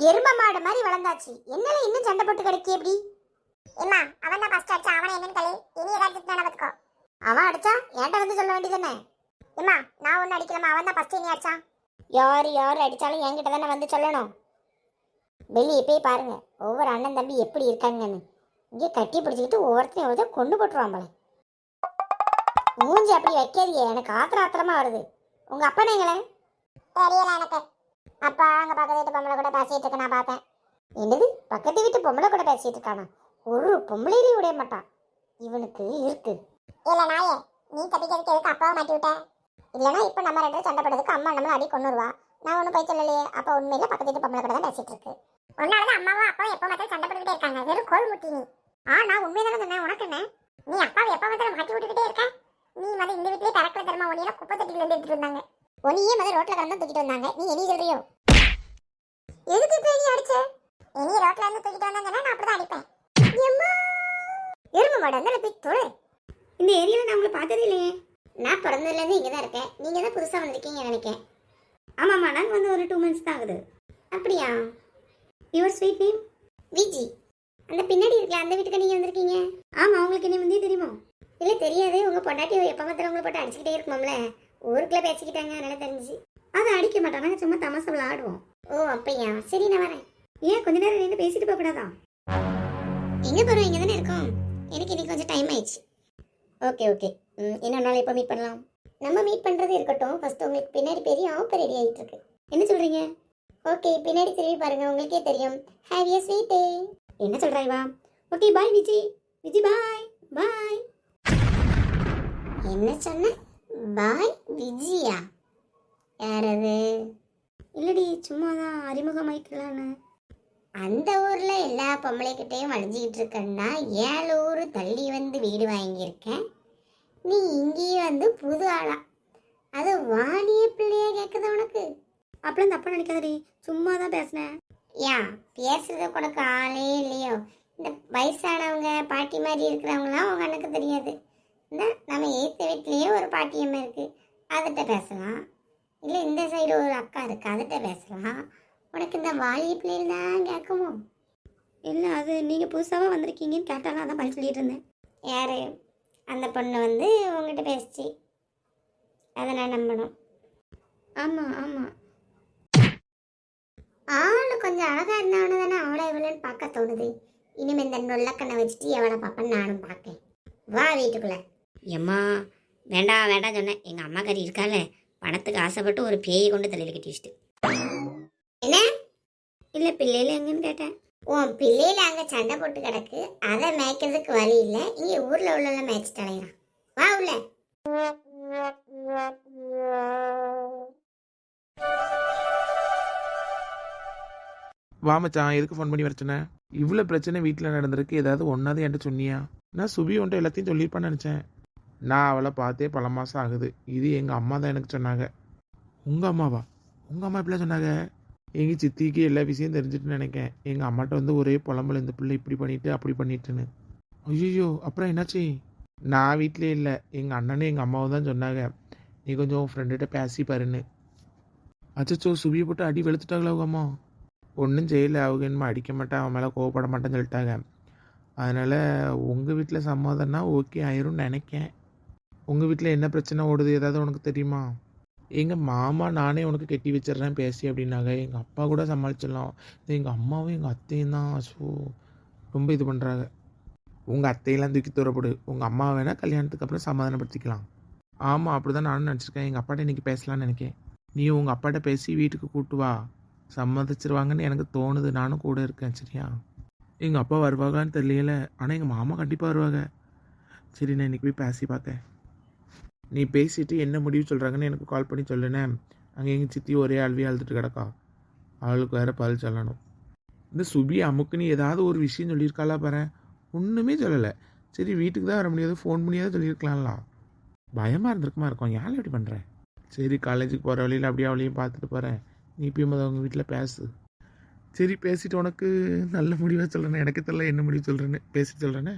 எரும மாடு மாதிரி வளர்ந்தாச்சு. என்னால இன்னும் சண்டை போட்டு கிடைக்கி எப்படி? ஏமா அவன் தான் ஃபர்ஸ்ட் அடிச்சா, அவனை என்னன்னு களி. இனி ஏதாவது திட்டினா பாத்துக்கோ. அவன் அடிச்சா என்கிட்ட வந்து சொல்ல வேண்டியதானே? ஏமா நான் ஒன்னும் அடிக்கலமா, அவன் தான் ஃபர்ஸ்ட் இனி அடிச்சான். யார் அடிச்சாலும் என்கிட்ட தானே வந்து சொல்லணும். வெளியே போய் பாருங்க ஒவ்வொரு அண்ணன் தம்பி எப்படி இருக்காங்கன்னு. இங்கே கட்டி பிடிச்சிக்கிட்டு ஒவ்வொருத்தையும் கொண்டு போட்டுருவாங்களே. மூஞ்சி அப்படி வைக்காதீங்க, எனக்கு ஆத்திரமா வருது. உங்க அப்பா நீங்களே தெரியல எனக்கு. அப்பா அங்க பக்கத்து வீட்டு பொம்பளை கூட பேசிட்டு இருக்க நான் பார்த்தேன். என்னது பக்கத்து வீட்டு பொம்பளை கூட பேசிட்டு இருக்கானா? ஒரு பொம்பளையிலையும் விட மாட்டான். இவனுக்கு இருக்கு. இல்ல நாயே, நீ தப்பிக்கிறதுக்கு எதுக்கு அப்பாவை மாட்டி விட்ட? இல்லைன்னா இப்ப நம்ம ரெண்டு சண்டை போடுறதுக்கு அம்மா நம்மள அடி கொண்டுருவா. நான் ஒன்றும் போய் சொல்லலையே. அப்ப உண்மையில பக்கத்து வீட்டு பொம்பளை கூட தான் பேசிட்டு இருக்கு. உன்னாலதான் அம்மாவும் அப்பாவும் எப்போ பார்த்தாலும் சண்டை போட்டுக்கிட்டே இருக்காங்க. வெறும் கோல் முட்டி நீ. நான் உண்மையை சொன்னேன். உனக்கு என்ன? நீ அப்பாவை எப்போ பார்த்தாலும் மாட்டி விட்டுக்கிட்டே இருக்க. நீ வந்து இந்த வீட்லயே பறக்கிற தர்மா ஒன்னியில குப்பை தட்டில இருந்து எடுத்துட்டு வந்தாங்க. ஒன்னியே வந்து ரோட்ல கடந்து தூக்கிட்டு வந்தாங்க. நீ என்ன சொல்றியோ? எதுக்கு இப்ப நீ அடிச்ச? இனி ரோட்ல இருந்து தூக்கிட்டு வந்தாங்கன்னா நான் அப்படிதான் அடிப்பேன். எருமை மாடு அந்த போய் தொழு. இந்த ஏரியாவில் நான் உங்களை பார்த்ததே இல்லையே. நான் பிறந்ததுலேருந்து இங்கே தான் இருக்கேன். நீங்கள் தான் புதுசாக வந்திருக்கீங்க நினைக்கேன். ஆமாம்மா, நாங்கள் வந்து ஒரு 2 months தான் ஆகுது. அப்படியா? Your sweet name? விஜி. அந்த பின்னாடி இருக்கல அந்த வீட்டுக்கு நீங்கள் வந்திருக்கீங்க. ஆமாம், உங்களுக்கு என்ன முந்தைய தெரியுமோ? இல்லை தெரியாது. உங்கள் பொண்டாட்டி எப்போ பார்த்தாலும் உங்களை போட்டு அடிச்சுக்கிட்டே இருக்குமாம்ல. ஊருக்குள்ளே பேசிக்கிட்டாங்க, அதனால தெரிஞ்சு. அதை அடிக்க மாட்டோம், நாங்கள் சும்மா தமாசை விளாடுவோம். ஓ அப்படியா? சரி நான் வரேன். ஏன் கொஞ்ச நேரம் நின்று பேசிட்டு போகக்கூடாதா? எங்கே போகிறோம்? இங்கே தானே இருக்கோம். எனக்கு இன்னைக்கு கொஞ்சம் டைம் ஆயிடுச்சு. ஓகே இன்னொரு நாள் எப்போ மீட் பண்ணலாம்? நம்ம மீட் பண்ணுறது இருக்கட்டும். ஃபர்ஸ்ட் உங்களுக்கு பின்னாடி பெரிய ஆஃபர் ரெடி ஆகிட்டு இருக்கு. என்ன சொல்கிறீங்க? ஓகே, பின்னாடி திரும்பி பாருங்க, உங்களுக்கே தெரியும். Have a sweet day. என்ன சொல்கிறாய்வா? Okay bye Viji. Viji bye bye. என்ன சொன்ன? பாய் விஜியா? யார் அது? இல்லடி, சும்மா தான் அறிமுகமாயிக்கலான்னு. அந்த ஊர்ல எல்லா பொம்பளைக்கிட்டையும் வளைஞ்சிக்கிட்டு இருக்கன்னா 7 ஊர் தள்ளி வந்து வீடு வாங்கியிருக்கேன். நீ இங்கேயே வந்து புது ஆளா? அது வாணிய பிள்ளையா கேட்குது உனக்கு? அப்படிலாம் தப்பா நினைக்காதடி, சும்மா தான் பேசினேன். ஏன் பேசுறது உனக்கு ஆளே இல்லையோ? இந்த வயசானவங்க பாட்டி மாதிரி இருக்கிறவங்களாம் உங்க அண்ணனுக்கு தெரியாது. இந்த நம்ம ஏற்ற வீட்லேயே ஒரு பாட்டியம்மா இருக்கு, அதுகிட்ட பேசலாம். இல்லை இந்த சைடு ஒரு அக்கா இருக்கு, அதுகிட்ட பேசலாம். உனக்கு இந்த வாலிய பிள்ளைகள் தான் கேட்குமோ? இல்லை, அது நீங்கள் புதுசாக வந்திருக்கீங்கன்னு கேட்டாலும் அதான் பதில் சொல்லிட்டு இருந்தேன். யார்? அந்த பொண்ணு வந்து உங்ககிட்ட பேசிச்சு, அதை நான் நம்பணும். ஆமாம் ஆளு கொஞ்சம் அழகாக இருந்தவனு தானே அவளை இவளன்னு பார்க்க தோணுது. இனிமேல் இந்த நொல்லக்கண்ணை வச்சுட்டு எவளை பார்ப்பேன்னு நானும் பார்க்கேன். வா வீட்டுக்குள்ளே. எம்மா வேண்டாம் சொன்னேன். எங்கள் அம்மா கறி இருக்கால, பணத்துக்கு ஆசைப்பட்டு ஒரு பேயை கொண்டு தலையில் கட்டி வச்சுட்டு. என்ன? இல்லை பிள்ளையில எங்கன்னு கேட்டேன். உன் பிள்ளையில அங்கே சண்டை போட்டு கிடக்கு, அதை மேய்க்கிறதுக்கு வழி இல்லை. இங்கே ஊரில் உள்ள மேய்ச்சிட்டு அலையிறான். வா உள்ள. வா மச்சான், எதுக்கு ஃபோன் பண்ணி வரச்சேனே? இவ்வளோ பிரச்சனை வீட்டில் நடந்திருக்கு, ஏதாவது ஒன்றாவது என்கிட்ட சொன்னியா? நான் சுபி உன்ட்ட எல்லாத்தையும் சொல்லியிருப்பான்னு நினச்சேன். நான் அவளை பார்த்தே பல மாதம் ஆகுது. இது எங்கள் அம்மா தான் எனக்கு சொன்னாங்க. உங்கள் அம்மாவா? உங்கள் அம்மா எப்படிலாம் சொன்னாங்க? எங்கள் சித்திக்கு எல்லா விஷயம் தெரிஞ்சுட்டுன்னு நினைக்கேன். எங்கள் அம்மாட்ட வந்து ஒரே புலம்பல், இந்த பிள்ளை இப்படி பண்ணிட்டு அப்படி பண்ணிட்டுன்னு. ஐயோ, அப்புறம் என்னாச்சு? நான் வீட்டிலே இல்லை, எங்கள் அண்ணனும் எங்கள் அம்மாவும் தான் சொன்னாங்க, நீ கொஞ்சம் உன் ஃப்ரெண்டுகிட்ட பேசி பாருன்னு. அச்சோ, சுபியை போட்டு அடி வெளுத்துட்டாங்களா உங்கள் அம்மா? ஒன்றும் செய்யலை, அவங்க என்னமோ அடிக்க மாட்டேன், அவன் மேலே கோவப்பட மாட்டேன்னு சொல்லிட்டாங்க. அதனால் உங்கள் வீட்டில் சம்மதம்னா ஓகே ஆயிரும்னு நினைக்கேன். உங்கள் வீட்டில் என்ன பிரச்சனை ஓடுது, ஏதாவது உனக்கு தெரியுமா? எங்கள் மாமா நானே உனக்கு கட்டி வச்சிட்றேன் பேசி அப்படின்னாங்க. எங்கள் அப்பா கூட சமாளிச்சிடலாம். எங்கள் அம்மாவும் எங்கள் அத்தையும் தான் ரொம்ப இது பண்ணுறாங்க. உங்கள் அத்தையெல்லாம் தூக்கி தூரப்படு. உங்கள் அம்மா வேணால் கல்யாணத்துக்கு அப்புறம் சமாதானப்படுத்திக்கலாம். ஆமாம், அப்படி தான் நானும் நினச்சிருக்கேன். எங்கள் அப்பாட்ட இன்றைக்கி பேசலான்னு நினைக்கேன். நீ உங்கள் அப்பாட்ட பேசி வீட்டுக்கு கூட்டு வா, சம்மதிச்சிருவாங்கன்னு எனக்கு தோணுது. நானும் கூட இருக்கேன், சரியா? எங்கள் அப்பா வருவாங்கன்னு தெரியல, ஆனால் எங்கள் மாமா கண்டிப்பாக வருவாங்க. சரி, நான் இன்றைக்கி போய் பேசி பார்த்தேன். நீ பேசிட்டு என்ன முடிவு சொல்கிறாங்கன்னு எனக்கு கால் பண்ணி சொல்லுனேன். அங்கே எங்கள் சித்தி ஒரே அழுவியாக அழுதுட்டு கிடக்கா, அவளுக்கு வேறு பதில் சொல்லணும். இந்த சுபி அமுக்குன்னு ஏதாவது ஒரு விஷயம் சொல்லியிருக்காளா பாரு? ஒன்றுமே சொல்லலை. சரி, வீட்டுக்கு தான் வர முடியாது, ஃபோன் பண்ணியாவது சொல்லியிருக்கலாம்லாம். பயமாக இருந்திருக்குமா இருக்கும். யாரும் எப்படி பண்ணுறேன்? சரி, காலேஜுக்கு போகிற வழியில் அப்படியே அவளையும் பார்த்துட்டு போகிறேன். நீ போய் அவங்க வீட்டில் பேசு. சரி, பேசிட்டு உனக்கு நல்ல முடிவாக சொல்கிறேன்னு. எனக்கு தெரியல என்ன முடிவு சொல்கிறேன்னு, பேசிட்டு சொல்கிறேன்னு.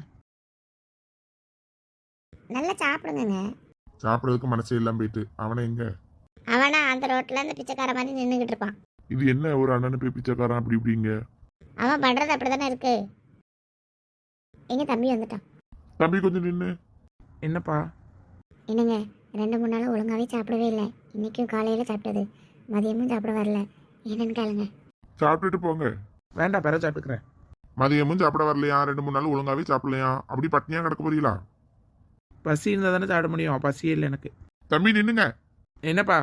நல்லா சாப்பிடுங்க. சாப்பிட்றதுக்கு மனசே இல்லாம போயிட்டு அவனை எங்க? அவனா அந்த ரோட்ல அந்த பிச்சைக்கார மாதிரி நின்றுகிட்டு இருப்பான். இது என்ன ஒரு அண்ணனு போய் பிச்சைக்காரன் அப்படி இப்படிங்க? அவன் பண்றது அப்படிதானே இருக்கு. எங்க தம்பி வந்துட்டான். தம்பி கொஞ்சம் நின்று. என்னப்பா? என்னங்க 2-3 நாள் ஒழுங்காவே சாப்பிடவே இல்லை. இன்னைக்கும் காலையில சாப்பிட்டது, மதியமும் சாப்பிட வரல. என்னன்னு கேளுங்க. சாப்பிட்டுட்டு போங்க. வேண்டாம், பிற சாப்பிட்டுக்கிறேன். மதியமும் சாப்பிட வரலையா, 2-3 நாள் ஒழுங்காவே சாப்பிடலையா, அப்படி பட்னியா கிடக்க போறீங்களா? பசி இருந்தால் தானே சாப்பிட முடியும். பசியே இல்லை எனக்கு. தம்பி நின்னுங்க. என்னப்பா?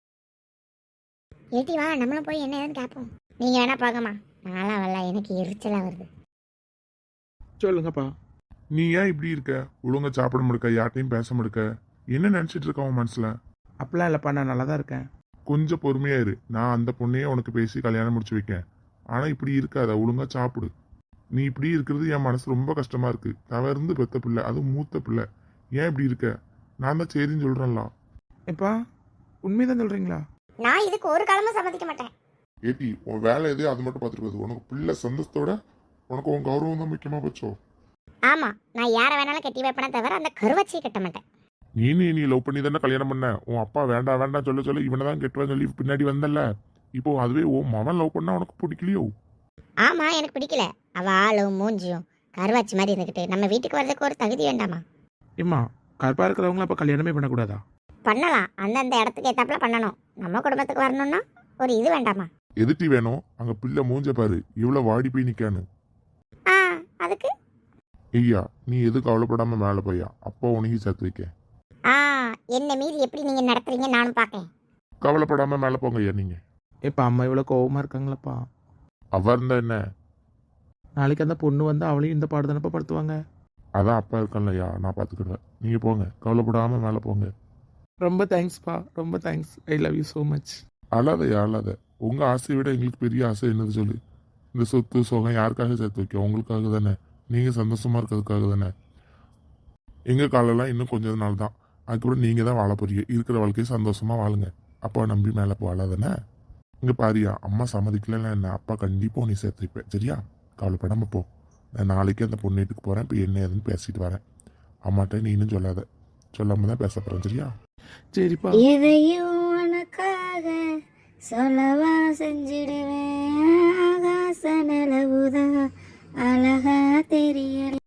ஏட்டி வா, நம்மளும் போய் என்ன ஏதுன்னு கேட்போம். நீங்க வேணா பார்க்கமா, நாளா வரல, எனக்கு எரிச்சலா வருது. சொல்லுங்கப்பா. நீ ஏன் இப்படி இருக்க? ஒழுங்கா சாப்பிட முடுக்க, யார்ட்டையும் பேச முடுக்க, என்ன நினைச்சிட்டு இருக்க உன் மனசுல? அப்படிலாம் இல்லைப்பா, நான் நல்லா தான் இருக்கேன். கொஞ்சம் பொறுமையா இரு. நான் அந்த பொண்ணையே உனக்கு பேசி கல்யாணம் முடிச்சு வைக்கேன். ஆனா இப்படி இருக்காத, ஒழுங்கா சாப்பிடு. நீ இப்படி இருக்கிறது என் மனசு ரொம்ப கஷ்டமா இருக்கு. தவறுந்து பெத்த பிள்ளை, அதுவும் மூத்த பிள்ளை. ஏன் இப்படி இருக்க? நான் தான் சரின்னு சொல்றேன்ல. எப்பா, உண்மைதான் சொல்றீங்களா? நான் இதுக்கு ஒரு காலமும் சம்மதிக்க மாட்டேன். ஏட்டி, உன் வேலை எது அது மட்டும் பார்த்துட்டு போகுது. உனக்கு பிள்ளை சந்தோஷத்தோட உனக்கு உன் கௌரவம் தான் முக்கியமா போச்சோ. ஆமா, நான் யாரை வேணாலும் கட்டி வைப்பேனே தவிர அந்த கருவச்சியை கட்ட மாட்டேன். நீ லவ் பண்ணி தானே கல்யாணம் பண்ண. உன் அப்பா வேண்டாம் வேண்டாம் சொல்ல சொல்ல இவனை தான் கெட்டுவான்னு சொல்லி பின்னாடி வந்தல்ல. இப்போ அதுவே உன் மகன் லவ் பண்ணா உனக்கு பிடிக்கலையோ? ஆமா, எனக்கு பிடிக்கல. அவ ஆளும் மூஞ்சியும் கருவாச்சி மாதிரி இருந்துக்கிட்டு நம்ம வீட்டுக்கு வர்றதுக்கு ஒரு தகுதி வேண்டாமா? ஏம்மா, கருப்பா இருக்கிறவங்கள அப்போ கல்யாணமே பண்ணக்கூடாதா? பண்ணலாம், அந்தந்த இடத்துக்கு ஏத்தாப்புல பண்ணணும். நம்ம குடும்பத்துக்கு வரணும்னா ஒரு இது வேண்டாமா? எதிர்த்தி வேணும். அங்க பிள்ளை மூஞ்ச பாரு, இவ்வளவு வாடி போய் நிக்கானு. ஆ, அதுக்கு ஐயா, நீ எது கவலைப்படாம மேல போயா, அப்பா உனக்கு சேர்த்து வைக்க. ஆ, என்ன மீறி எப்படி நீங்க நடத்துறீங்க நானும் பார்க்கேன். கவலைப்படாம மேல போங்க ஐயா. நீங்க இப்போ அம்மா இவ்வளோ கோவமாக இருக்காங்களப்பா. அவ இருந்தா என்ன? நாளைக்கு அந்த பொண்ணு வந்து அவளையும் இந்த பாடு தானப்பா படுத்துவாங்க. அதான் அப்பா இருக்கான்லையா, நான் பாத்துக்கிடுவேன். நீங்க போங்க, கவலைப்படாம மேல போங்க. ரொம்ப தேங்க்ஸ்ப்பா, ரொம்ப thanks. I love you so much. அழாதையா அழாத. உங்க ஆசையை விட எங்களுக்கு பெரிய ஆசை என்னது சொல்லு? இந்த சொத்து சோகம் யாருக்காக சேர்த்து வைக்க? உங்களுக்காக தானே. நீங்க சந்தோஷமா இருக்கிறதுக்காக தானே. எங்க காலெல்லாம் இன்னும் கொஞ்ச நாள் தான். அதுக்கப்புறம் நீங்க தான் வாழ போறீங்க. இருக்கிற வாழ்க்கையை சந்தோஷமா வாழுங்க. அப்பா நம்பி மேலே போகலாதானே. இங்க பாரியா, அம்மா சம்மதிக்கலன்னா என்ன, அப்பா கண்டிப்பா உன்னை சேர்த்து வைப்பேன். சரியா? கவலைப்படாம போ. நான் நாளைக்கு அந்த பொண்ணு வீட்டுக்கு போறேன். இப்போ என்ன ஏதுன்னு பேசிட்டு வரேன். அம்மாட்ட நீ இன்னும் சொல்லாத. சொல்லாம தான் பேச போறேன். சரியா? சரிப்பா. எதையும் உனக்காக சொல்லவா செஞ்சிடுவேன். ஆகாச நிலவுதான் அழகா தெரியல.